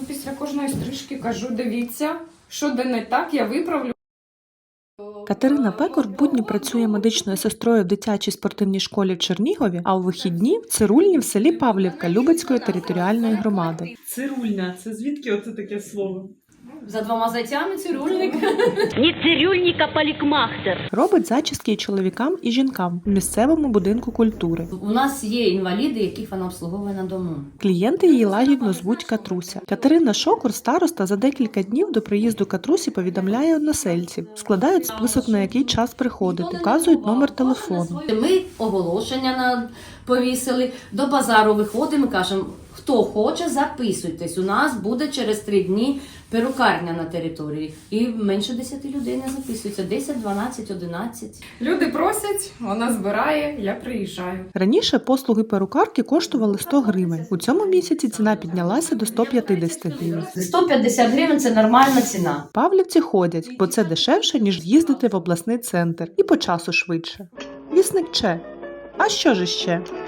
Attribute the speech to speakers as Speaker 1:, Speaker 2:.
Speaker 1: після кожної стрижки кажу, дивіться, що де не так, я виправлю.
Speaker 2: Катерина Пекор в будні працює медичною сестрою в дитячій спортивній школі в Чернігові, а у вихідні – в цирульні в селі Павлівка Любецької територіальної громади.
Speaker 3: Цирульня. Це звідки оце таке слово?
Speaker 4: За двома зайцями цирюльник.
Speaker 5: Не цирюльник, а парикмахер.
Speaker 2: Робить зачіски і чоловікам, і жінкам в місцевому будинку культури.
Speaker 4: У нас є інваліди, яких вона обслуговує на дому.
Speaker 2: Клієнти її лагідно звуть Катруся. Катерина Шокур, староста, за декілька днів до приїзду Катрусі повідомляє односельців. Складають список, на який час приходити, вказують номер телефону.
Speaker 4: Ми оголошення повісили, до базару виходимо, кажемо, хто хоче, записуйтесь. У нас буде через 3 дні перукарня на території. І менше 10 людей не записуються. 10, 12, 11.
Speaker 1: Люди просять, вона збирає, я приїжджаю.
Speaker 2: Раніше послуги перукарки коштували 100 гривень. У цьому місяці ціна піднялася до 150 гривень.
Speaker 4: 150 гривень – це нормальна ціна.
Speaker 2: Павлівці ходять, бо це дешевше, ніж їздити в обласний центр. І по часу швидше. Вісник Че. А що ж іще?